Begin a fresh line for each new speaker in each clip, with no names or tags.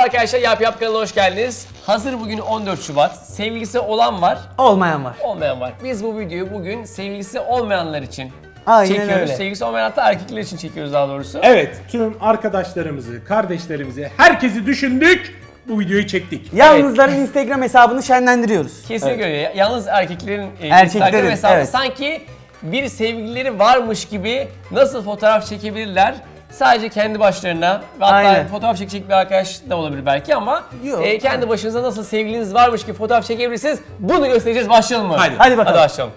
arkadaşlar, Yap kanalına hoş geldiniz. Hazır bugün 14 Şubat. Sevgilisi olan var,
Olmayan var.
olmayan var. Biz bu videoyu bugün sevgilisi olmayanlar için
Aynen
çekiyoruz.
öyle.
Sevgilisi olmayan, hatta erkekler için çekiyoruz daha doğrusu.
Evet, tüm arkadaşlarımızı, kardeşlerimizi, herkesi düşündük. Bu videoyu çektik.
Yalnızların Instagram hesabını şenlendiriyoruz.
Kesinlikle öyle. Yalnız erkeklerin
Erkeklerin,
Instagram hesabı
evet.
sanki bir sevgilileri varmış gibi nasıl fotoğraf çekebilirler? Sadece kendi başlarına ve hatta
Aynen.
fotoğraf çekecek bir arkadaş da olabilir belki ama
Yok.
kendi başınıza nasıl sevgiliniz varmış gibi fotoğraf çekebilirsiniz. Bunu göstereceğiz. Başlayalım mı?
Hadi bakalım.
Hadi başlayalım.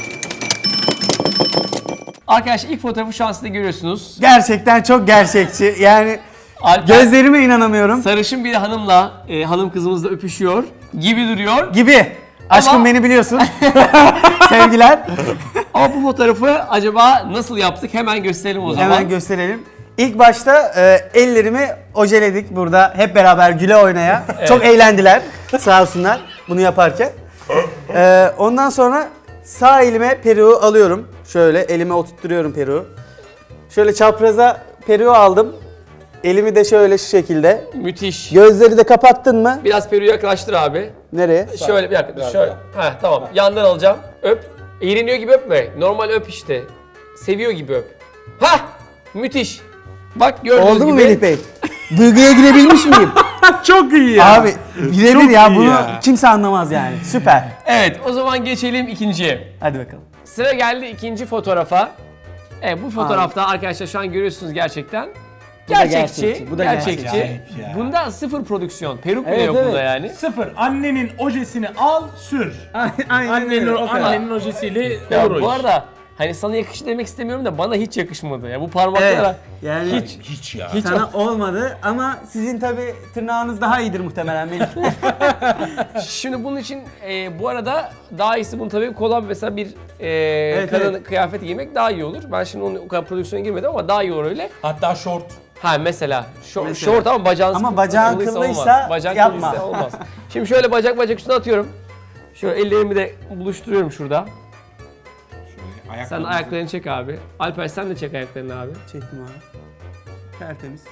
Arkadaşlar ilk fotoğrafı şu an siz de görüyorsunuz.
Gerçekten çok gerçekçi. Yani
Alper
gözlerime inanamıyorum.
sarışın bir hanımla, hanım kızımızla öpüşüyor gibi duruyor.
Gibi. Aşkım
Ama-
beni biliyorsun. Sevgiler.
Ama bu fotoğrafı acaba nasıl yaptık? Hemen gösterelim o zaman.
Hemen gösterelim. İlk başta ellerimi ojeledik burada hep beraber güle oynaya. Çok eğlendiler sağ olsunlar bunu yaparken. Ondan sonra sağ elime peruğu alıyorum. Şöyle elime oturtturuyorum peruğu. Şöyle çapraza peruğu aldım. Elimi de şöyle şu şekilde.
Müthiş.
Gözleri de kapattın mı?
Biraz peruğu yaklaştır abi.
Nereye?
Şöyle bir dakika. Şöyle. Heh, tamam. Yandan alacağım. Öp. İğreniyor gibi öpme. Normal öp işte. Seviyor gibi öp. Hah! Müthiş. Bak gördüğünüz
Oldu mu
gibi.
Melih Bey? Duyguya girebilmiş miyim?
Çok iyi ya.
Abi birebir
Çok
ya
iyi
bunu
ya.
kimse anlamaz yani. Süper.
Evet, o zaman geçelim ikinciye.
Hadi bakalım.
Sıra geldi ikinci fotoğrafa. Evet, bu fotoğrafta arkadaşlar şu an görüyorsunuz gerçekten.
Bu da
Gerçekçi.
gerçekçi, bu da
gerçekçi.
gerçekçi. Ya.
Bunda sıfır prodüksiyon. Peruk bile
Evet,
yok
evet.
bunda yani.
Sıfır. Annenin ojesini al, sür. Annenin ojesiyle
Ya
olur o
bu
iş.
arada hani sana yakıştı demek istemiyorum da bana hiç yakışmadı. Ya bu parmaklara
Evet. Yani
hiç
Hiç ya.
hiç
sana olmadı ama sizin tabi tırnağınız daha iyidir muhtemelen Melih.
Şimdi bunun için bu arada daha iyisi bunun tabii kolay mesela bir kadın
evet.
kıyafeti giymek daha iyi olur. Ben şimdi onun o kadar prodüksiyona girmedim ama daha iyi olur öyle.
Hatta short.
Ha mesela,
Mesela.
short ama bacağın
Ama bacağın
kıllıysa
kıllıysa
olmaz. Bacak
yapma.
kıllıysa olmaz. Şimdi şöyle bacak üstüne atıyorum. Şöyle ellerimi de buluşturuyorum şurada.
Şöyle
Sen ayaklarını çek abi. Alper sen de çek ayaklarını abi.
Çektim abi. Tertemiz.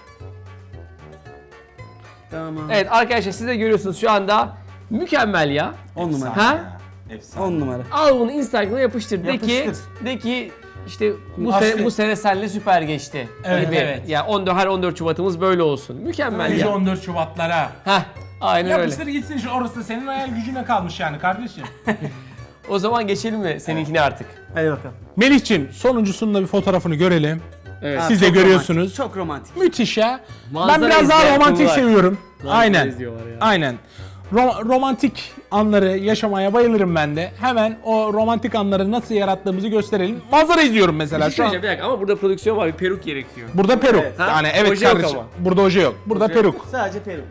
Tamam.
Evet arkadaşlar siz de görüyorsunuz şu anda mükemmel ya.
10 numara.
Ha?
Efsane.
10 numara.
Al bunu Instagram'a yapıştır.
Yapıştır.
De ki işte
Aslında-
bu sene seninle süper geçti.
Evet,
gibi.
evet.
Ya her 14 Şubat'ımız böyle olsun. Mükemmel
Nice
ya.
14 Şubatlara.
Heh, aynen öyle.
Yapıştır gitsin şu orası da senin hayal gücüne kalmış yani kardeşim.
O zaman geçelim mi seninkine artık?
Hadi bakalım.
Melih'ciğim sonuncusunun da bir fotoğrafını görelim.
Evet.
Siz de
Çok
görüyorsunuz.
romantik, çok romantik.
Müthiş ya.
Manzara
Ben biraz daha
izleyen
romantik
kullar.
seviyorum.
Manzara
Aynen.
izliyorlar ya.
Aynen. Romantik anları yaşamaya bayılırım ben de. Hemen o romantik anları nasıl yarattığımızı gösterelim. Manzara izliyorum mesela
Bir şey
şu an.
söyleyeceğim, bir dakika ama burada prodüksiyon var, bir peruk gerekiyor.
Burada peruk.
Evet.
Ha?
Yani evet
Oje yok
kardeşim.
ama.
Burada oje yok. Burada
Oje
peruk.
Sadece peruk.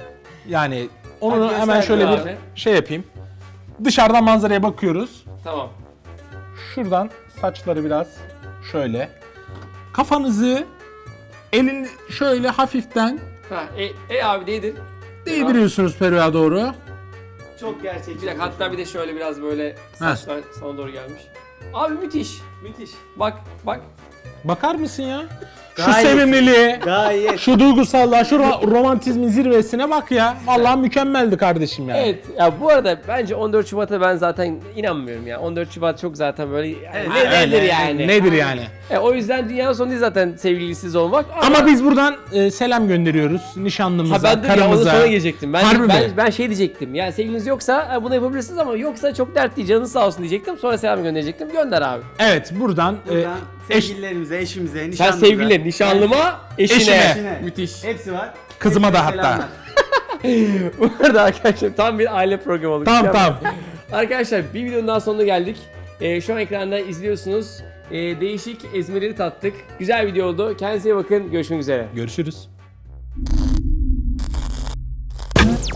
Yani onu
Hadi
hemen
göster
şöyle
abi.
bir şey yapayım. Dışarıdan manzaraya bakıyoruz.
Tamam.
Şuradan saçları biraz şöyle. Kafanızı elin şöyle hafiften
Ha, abi değdir.
değdiriyorsunuz peruğa doğru.
Çok gerçekçi.
Bir dakika, hatta bir de şöyle biraz böyle saçlar sana doğru gelmiş. Abi müthiş.
Müthiş.
Bak.
Bakar mısın ya? Şu
Gayet.
sevimliliğe,
Gayet.
şu duygusallığa, şu romantizmin zirvesine bak ya. Vallahi mükemmeldi kardeşim ya.
Evet ya, bu arada bence 14 Şubat'a ben zaten inanmıyorum ya. 14 Şubat çok zaten böyle nedir yani?
Nedir yani?
O yüzden dünyanın sonu değil zaten sevgilisiz olmak.
Ama biz buradan selam gönderiyoruz nişanlımıza,
ben de ya onun
karımıza.
sonra gelecektim.
Harbi mi?
Ben şey diyecektim. Yani sevgiliniz yoksa bunu yapabilirsiniz ama yoksa çok dertli, canınız sağ olsun diyecektim. Sonra selam gönderecektim. Gönder abi.
Evet buradan,
Buradan
eş,
sevgililerimize, eşimize,
Sen
nişanlımıza.
sevgiline, nişanlıma, eşine.
Eşine.
Müthiş.
Hepsi var.
Kızıma da
Hepsine
hatta.
selamlar.
Bu arada arkadaşlar tam bir aile programı oldu.
Tamam.
Arkadaşlar bir videonun daha sonuna geldik. Şu an ekranda izliyorsunuz. Değişik ezmeleri tattık. Güzel video oldu. Kendinize iyi bakın. Görüşmek üzere.
Görüşürüz.